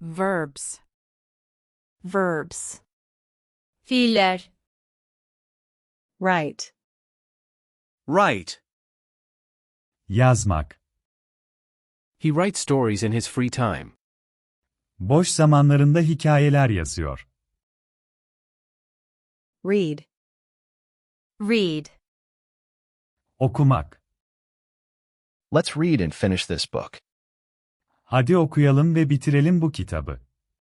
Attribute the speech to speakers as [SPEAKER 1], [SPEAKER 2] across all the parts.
[SPEAKER 1] Verbs.
[SPEAKER 2] Verbs.
[SPEAKER 3] Fiiller.
[SPEAKER 2] Write.
[SPEAKER 4] Write.
[SPEAKER 5] Yazmak.
[SPEAKER 6] He writes stories in his free time.
[SPEAKER 5] Boş zamanlarında hikayeler yazıyor.
[SPEAKER 2] Read.
[SPEAKER 3] Read.
[SPEAKER 5] Okumak.
[SPEAKER 7] Let's read and finish this book.
[SPEAKER 5] Hadi okuyalım ve bitirelim bu kitabı.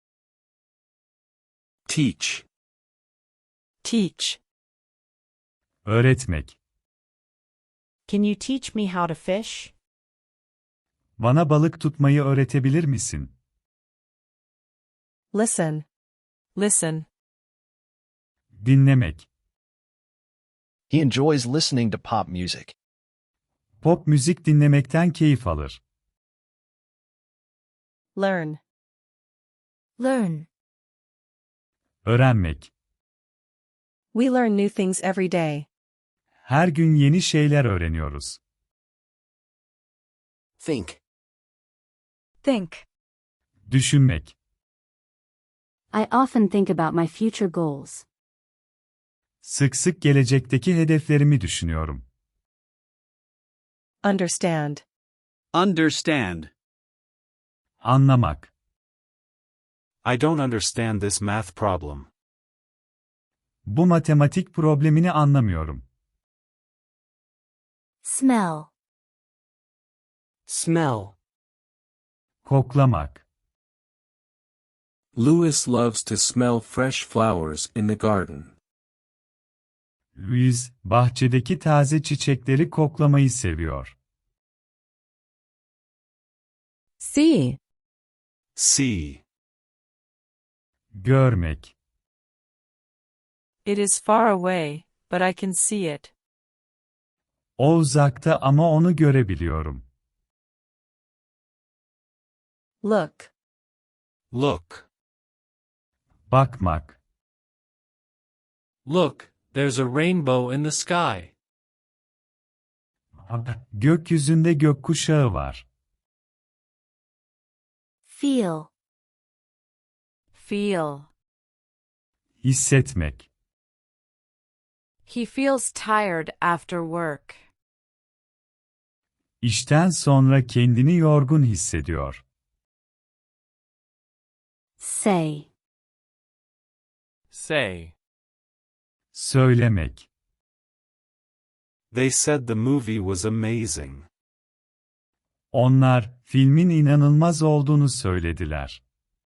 [SPEAKER 4] Teach.
[SPEAKER 2] Teach.
[SPEAKER 5] Öğretmek.
[SPEAKER 1] Can you teach me how to fish?
[SPEAKER 5] Bana balık tutmayı öğretebilir misin?
[SPEAKER 2] Listen.
[SPEAKER 1] Listen.
[SPEAKER 5] Dinlemek.
[SPEAKER 7] He enjoys listening to pop music.
[SPEAKER 5] Pop müzik dinlemekten keyif alır.
[SPEAKER 2] Learn.
[SPEAKER 3] Learn.
[SPEAKER 5] Öğrenmek.
[SPEAKER 2] We learn new things every day.
[SPEAKER 5] Her gün yeni şeyler öğreniyoruz.
[SPEAKER 4] Think.
[SPEAKER 3] Think.
[SPEAKER 5] Düşünmek.
[SPEAKER 8] I often think about my future goals.
[SPEAKER 5] Sık sık gelecekteki hedeflerimi düşünüyorum.
[SPEAKER 2] Understand.
[SPEAKER 4] Understand.
[SPEAKER 5] Anlamak.
[SPEAKER 9] I don't understand this math problem.
[SPEAKER 5] Bu matematik problemini anlamıyorum.
[SPEAKER 3] Smell.
[SPEAKER 4] Smell.
[SPEAKER 5] Koklamak.
[SPEAKER 9] Louis loves to smell fresh flowers in the garden.
[SPEAKER 5] Louis, bahçedeki taze çiçekleri koklamayı seviyor.
[SPEAKER 1] See.
[SPEAKER 9] See.
[SPEAKER 5] Görmek.
[SPEAKER 1] It is far away, but I can see it.
[SPEAKER 5] O uzakta ama onu görebiliyorum.
[SPEAKER 2] Look.
[SPEAKER 9] Look.
[SPEAKER 5] Bakmak.
[SPEAKER 6] Look, there's a rainbow in the sky.
[SPEAKER 5] Gökyüzünde gökkuşağı var.
[SPEAKER 3] Feel.
[SPEAKER 1] Feel.
[SPEAKER 5] Hissetmek.
[SPEAKER 1] He feels tired after work.
[SPEAKER 5] İşten sonra kendini yorgun hissediyor.
[SPEAKER 8] Say.
[SPEAKER 6] Say.
[SPEAKER 5] Söylemek.
[SPEAKER 9] They said the movie was amazing.
[SPEAKER 5] Onlar, filmin inanılmaz olduğunu söylediler.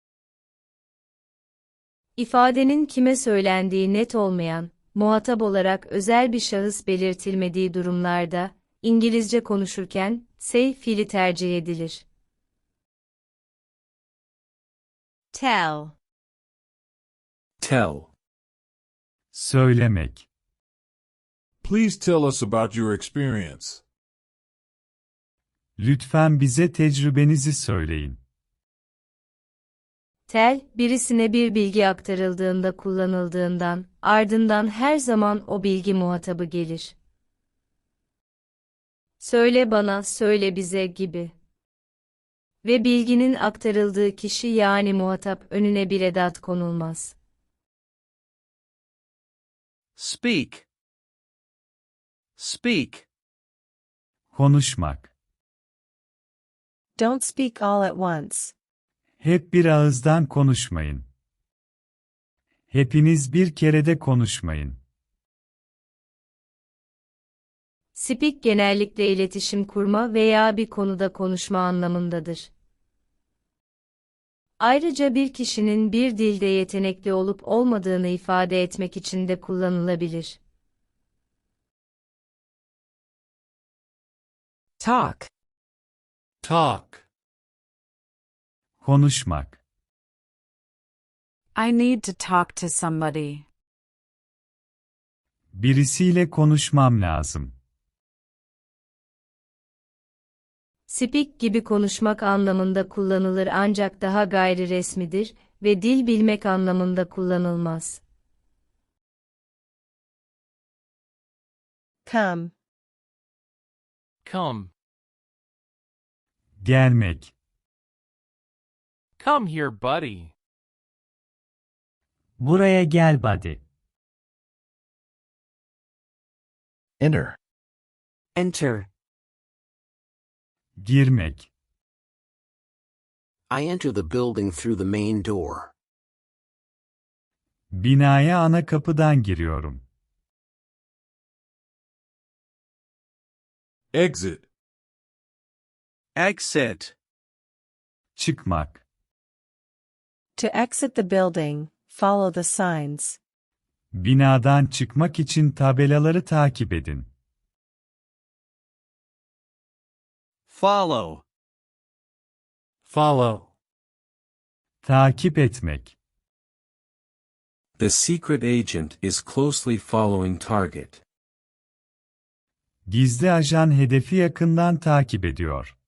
[SPEAKER 3] İfadenin kime söylendiği net olmayan, muhatap olarak özel bir şahıs belirtilmediği durumlarda, İngilizce konuşurken, say fiili tercih edilir. Tell.
[SPEAKER 4] Tell.
[SPEAKER 5] Söylemek.
[SPEAKER 10] Please tell us about your experience.
[SPEAKER 5] Lütfen bize tecrübenizi söyleyin.
[SPEAKER 3] Tell, birisine bir bilgi aktarıldığında kullanıldığından, ardından her zaman o bilgi muhatabı gelir. Söyle bana, söyle bize gibi. Ve bilginin aktarıldığı kişi yani muhatap önüne bir edat konulmaz.
[SPEAKER 4] Speak. Speak.
[SPEAKER 5] Konuşmak.
[SPEAKER 2] Don't speak all at once.
[SPEAKER 5] Hep bir ağızdan konuşmayın. Hepiniz bir kerede konuşmayın.
[SPEAKER 3] Speak genellikle iletişim kurma veya bir konuda konuşma anlamındadır. Ayrıca bir kişinin bir dilde yetenekli olup olmadığını ifade etmek için de kullanılabilir.
[SPEAKER 1] Talk.
[SPEAKER 6] Talk.
[SPEAKER 5] Konuşmak.
[SPEAKER 1] I need to talk to somebody.
[SPEAKER 5] Birisiyle konuşmam lazım.
[SPEAKER 3] Speak gibi konuşmak anlamında kullanılır ancak daha gayri resmidir ve dil bilmek anlamında kullanılmaz.
[SPEAKER 2] Come.
[SPEAKER 6] Come.
[SPEAKER 5] Gelmek.
[SPEAKER 6] Come here, buddy.
[SPEAKER 5] Buraya gel buddy.
[SPEAKER 7] Enter.
[SPEAKER 11] Enter.
[SPEAKER 5] Girmek.
[SPEAKER 11] I enter the building through the main door.
[SPEAKER 5] Binaya ana kapıdan giriyorum.
[SPEAKER 10] Exit.
[SPEAKER 4] Exit.
[SPEAKER 5] Çıkmak.
[SPEAKER 2] To exit the building, follow the signs.
[SPEAKER 5] Binadan çıkmak için tabelaları takip edin.
[SPEAKER 4] Follow.
[SPEAKER 9] Follow.
[SPEAKER 5] Takip etmek.
[SPEAKER 9] The secret agent is closely following target.
[SPEAKER 5] Gizli ajan hedefi yakından takip ediyor.